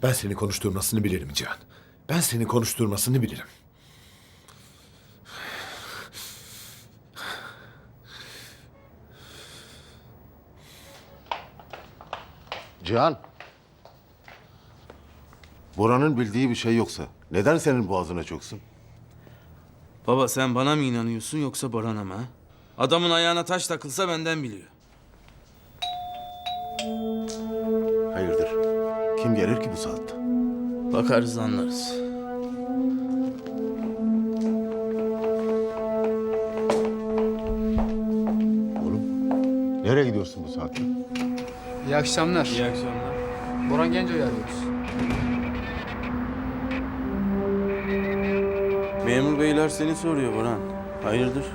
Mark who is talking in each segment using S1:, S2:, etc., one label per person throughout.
S1: Ben seni konuşturmasını bilirim Cihan. Ben seni konuşturmasını bilirim.
S2: Cihan. Bora'nın bildiği bir şey yoksa neden senin boğazına çöksün?
S3: Baba sen bana mı inanıyorsun yoksa Baran'a mı? Ha? Adamın ayağına taş takılsa benden biliyor.
S2: Hayırdır? Kim gelir ki bu saatte?
S3: Bakarız anlarız.
S2: Oğlum, nereye gidiyorsun bu saatte?
S4: İyi akşamlar.
S3: İyi akşamlar.
S4: Boran Genco'yu arıyoruz.
S3: Memur beyler seni soruyor Baran. Hayırdır?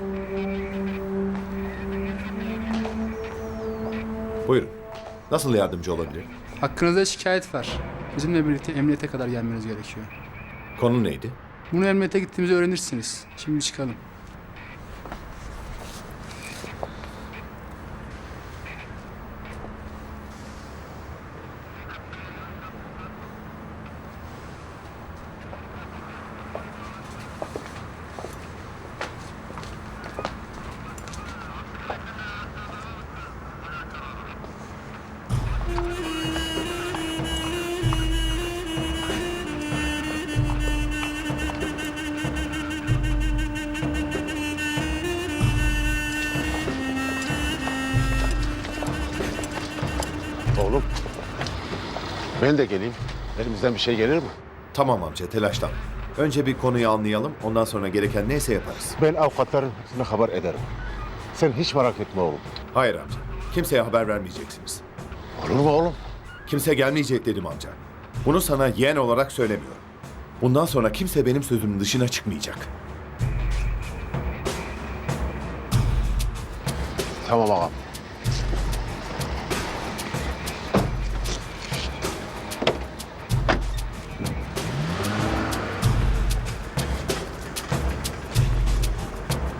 S1: Buyurun. Nasıl yardımcı olabilirim?
S4: Hakkınızda şikayet var. Bizimle birlikte emniyete kadar gelmeniz gerekiyor.
S1: Konu neydi?
S4: Bunu emniyete gittiğimizde öğrenirsiniz. Şimdi çıkalım.
S2: Oğlum, ben de geleyim. Elimizden bir şey gelir mi?
S1: Tamam amca, telaşlanma. Önce bir konuyu anlayalım, ondan sonra gereken neyse yaparız.
S2: Ben avukatların hepsine haber ederim. Sen hiç merak etme oğlum.
S1: Hayır amca, kimseye haber vermeyeceksiniz.
S2: Olur mu oğlum?
S1: Kimse gelmeyecek dedim amca. Bunu sana yeğen olarak söylemiyorum. Bundan sonra kimse benim sözümün dışına çıkmayacak.
S2: Tamam ağam.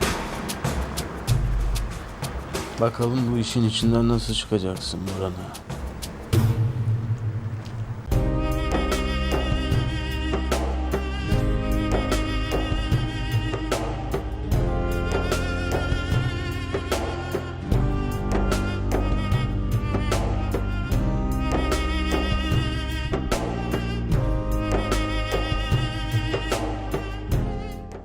S3: Bakalım bu işin içinden nasıl çıkacaksın Baran'a.